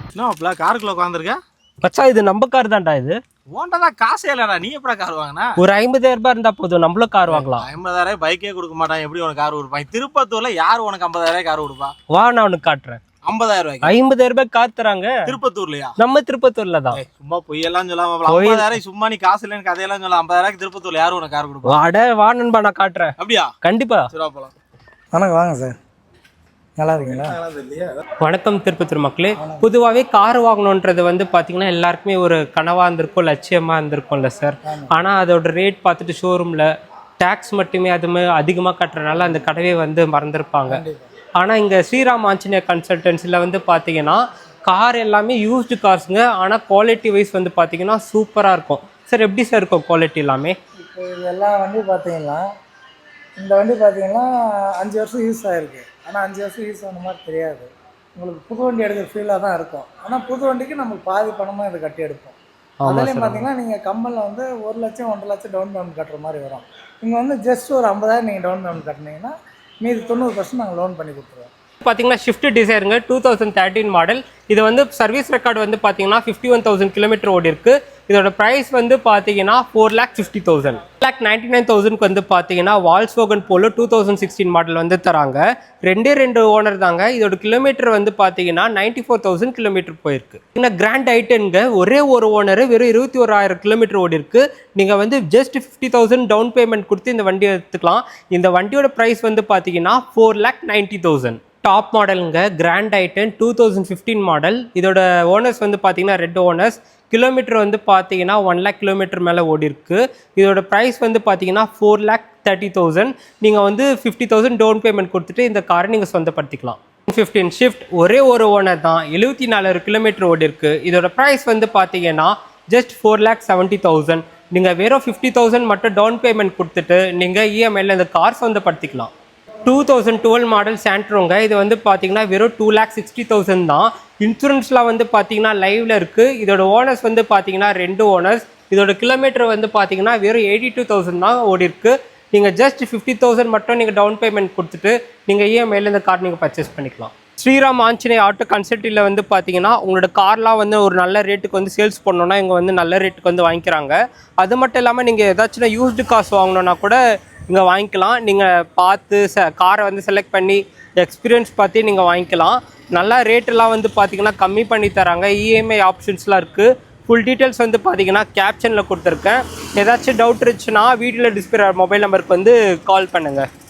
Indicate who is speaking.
Speaker 1: என்ன காருக்குள்ள உட்காந்துருக்க
Speaker 2: மச்சா இது நம்ம கார் தான்டா இது.
Speaker 1: ஓண்டா காசே இல்லடா, நீ எப்படா கார் வாங்கினா?
Speaker 2: ஒரு 50,000 ரூபாய் இருந்தா போதும், நம்மளும் கார் வாங்கலாம்.
Speaker 1: 50,000 பைக்கே கொடுக்க மாட்டான், எப்படி உனக்கு கார் கொடுப்பான்? திருப்பத்தூர்ல யாரு உனக்கு 50,000 கார் கொடுப்பா?
Speaker 2: வா நான் உனக்கு காட்டுறேன்.
Speaker 1: 50,000 ரூபாய்க்கு
Speaker 2: 50,000 ரூபாய் கார் தராங்க
Speaker 1: திருப்பத்தூர்லயா?
Speaker 2: நம்ம திருப்பத்தூர்ல தான்.
Speaker 1: சும்மா பொய்யெல்லாம் சொல்லாம 50,000 சும்மா நீ காசு இல்லைன்னு கதையெல்லாம் சொல்ல. 50,000 திருப்பத்தூர்ல யாரு உனக்கு கார் கொடுப்பா?
Speaker 2: அட வா நண்பா நான் காட்டுறேன்.
Speaker 1: அப்படியா?
Speaker 2: கண்டிப்பா.
Speaker 1: சரி போலாம்.
Speaker 3: வணக்கம், வாங்க சார். நல்லா இருக்கீங்களா?
Speaker 2: வணக்கம் திருப்பத்தூர் மக்களே. பொதுவாகவே கார் வாங்கணுன்றது வந்து பார்த்தீங்கன்னா எல்லாருக்குமே ஒரு கனவாக இருந்திருக்கும், லட்சியமாக இருந்திருக்கும்ல சார். ஆனால் அதோட ரேட் பார்த்துட்டு ஷோரூமில் டேக்ஸ் மட்டுமே அதுமே அதிகமாக கட்டுறதுனால அந்த கடவே வந்து மறந்துருப்பாங்க. ஆனால் இங்கே ஸ்ரீராம் ஆஞ்சநேயர் கன்சல்டன்சியில் வந்து பார்த்தீங்கன்னா கார் எல்லாமே யூஸ்டு கார்ஸுங்க. ஆனால் குவாலிட்டி வைஸ் வந்து பார்த்தீங்கன்னா சூப்பராக இருக்கும் சார். எப்படி சார் இருக்கும் குவாலிட்டி எல்லாமே?
Speaker 3: இப்போ இதெல்லாம் வண்டி பார்த்தீங்கன்னா, இந்த வண்டி பார்த்தீங்கன்னா 5 வருஷம் யூஸ் ஆகிருக்கு. ஆனால் 5 வருஷம் யூஸ் ஆன மாதிரி தெரியாது. உங்களுக்கு புது வண்டி எடுக்கிற ஃபீலாக தான் இருக்கும். ஆனால் புது வண்டிக்கு நமக்கு பாதி பணமாக இதை கட்டி எடுப்போம். அதுலேயும் பார்த்தீங்கன்னா நீங்கள் கம்பெனியில் வந்து 1 லட்சம் 1.5 லட்சம் டவுன் பேமெண்ட் கட்டுற மாதிரி வரும். இங்கே வந்து ஜஸ்ட் ஒரு 50,000 நீங்கள் டவுன் பேமெண்ட் கட்டினீங்கன்னா மீதி 90% நாங்கள் லோன் பண்ணி கொடுத்துருவோம்.
Speaker 2: பார்த்தீங்கன்னா ஷிஃப்ட் டிசைருங்க, 2013 மாடல். இது வந்து சர்வீஸ் ரெக்கார்டு வந்து பார்த்தீங்கன்னா 51,000 கிலோமீட்டர் ஓடி இருக்கு. இதோட ப்ரைஸ் வந்து பார்த்தீங்கன்னா 4,50,000. 4,99,000 வந்து பார்த்தீங்கன்னா வால்ஸ்வோகன் போலோ 2016 மாடல் வந்து தராங்க. 2 ஓனர் தாங்க. இதோட கிலோமீட்டர் வந்து பார்த்தீங்கன்னா 94,000 கிலோமீட்டர் போயிருக்கு. இந்த கிராண்ட் ஐட்டனுங்க ஒரே ஒரு ஓனர், வெறும் 21,000 கிலோமீட்டர் ஓடி இருக்கு. நீங்கள் வந்து ஜஸ்ட் 50,000 டவுன் பேமெண்ட் கொடுத்து இந்த வண்டி எடுத்துக்கலாம். இந்த வண்டியோட ப்ரைஸ் வந்து பார்த்தீங்கன்னா 4,90,000. டாப் மாடலுங்க, கிராண்ட் ஐட்டன் 2015 மாடல். இதோட ஓனர்ஸ் வந்து பார்த்தீங்கன்னா 2 ஓனர்ஸ். கிலோமீட்டர் வந்து பார்த்தீங்கன்னா 1 lakh கிலோமீட்டர் மேலே ஓடி இருக்கு. இதோட ப்ரைஸ் வந்து பார்த்தீங்கன்னா 4,30,000. நீங்கள் வந்து 50,000 டவுன் பேமெண்ட் கொடுத்துட்டு இந்த காரை நீங்கள் சொந்தப்படுத்திக்கலாம். 15 ஷிஃப்ட் ஒரே ஒரு ஓனர் தான், 74,000 கிலோமீட்டர் ஓடி இருக்கு. இதோட ப்ரைஸ் வந்து பார்த்தீங்கன்னா ஜஸ்ட் 4,70,000. நீங்கள் வெறும் 50,000 மட்டும் டவுன் பேமெண்ட் கொடுத்துட்டு நீங்கள் இஎம்ஐயில் இந்த கார் சொந்தப்படுத்திக்கலாம். 2012 மாடல் சாண்ட்ரோங்க. இது வந்து பார்த்தீங்கன்னா வெறும் 2,60,000 தான். இன்சூரன்ஸ்லாம் வந்து பார்த்தீங்கன்னா லைவ்ல இருக்குது. இதோட ஓனர்ஸ் வந்து பார்த்தீங்கன்னா 2 ஓனர்ஸ். இதோட கிலோமீட்டர் வந்து பார்த்தீங்கன்னா வெறும் 82,000 தான் ஓடி இருக்கு. நீங்கள் ஜஸ்ட் 50,000 மட்டும் நீங்கள் டவுன் பேமெண்ட் கொடுத்துட்டு நீங்கள் இஎம்ஐயில் இந்த கார் நீங்கள் பர்ச்சேஸ் பண்ணிக்கலாம். ஸ்ரீராம் ஆஞ்சநேயர் ஆட்டோ கன்சல்ட்டில் வந்து பார்த்தீங்கன்னா உங்களோட கார்லாம் வந்து ஒரு நல்ல ரேட்டுக்கு வந்து சேல்ஸ் பண்ணணுன்னா இங்கே வந்து நல்ல ரேட்டுக்கு வந்து வாங்கிக்கிறாங்க. அது மட்டும் இல்லாமல் நீங்கள் ஏதாச்சும் யூஸ்டு காசு வாங்கணுன்னா கூட இங்கே வாங்கிக்கலாம். நீங்கள் பார்த்து காரை வந்து செலக்ட் பண்ணி எக்ஸ்பீரியன்ஸ் பார்த்து நீங்கள் வாங்கிக்கலாம். நல்லா ரேட்டெல்லாம் வந்து பார்த்தீங்கன்னா கம்மி பண்ணி தராங்க. இஎம்ஐ ஆப்ஷன்ஸ்லாம் இருக்குது. ஃபுல் டீட்டெயில்ஸ் வந்து பார்த்தீங்கன்னா கேப்ஷனில் கொடுத்துருக்கேன். ஏதாச்சும் டவுட் இருந்துச்சுன்னா வீடியோவில் டிஸ்பிளே மொபைல் நம்பருக்கு வந்து கால் பண்ணுங்கள்.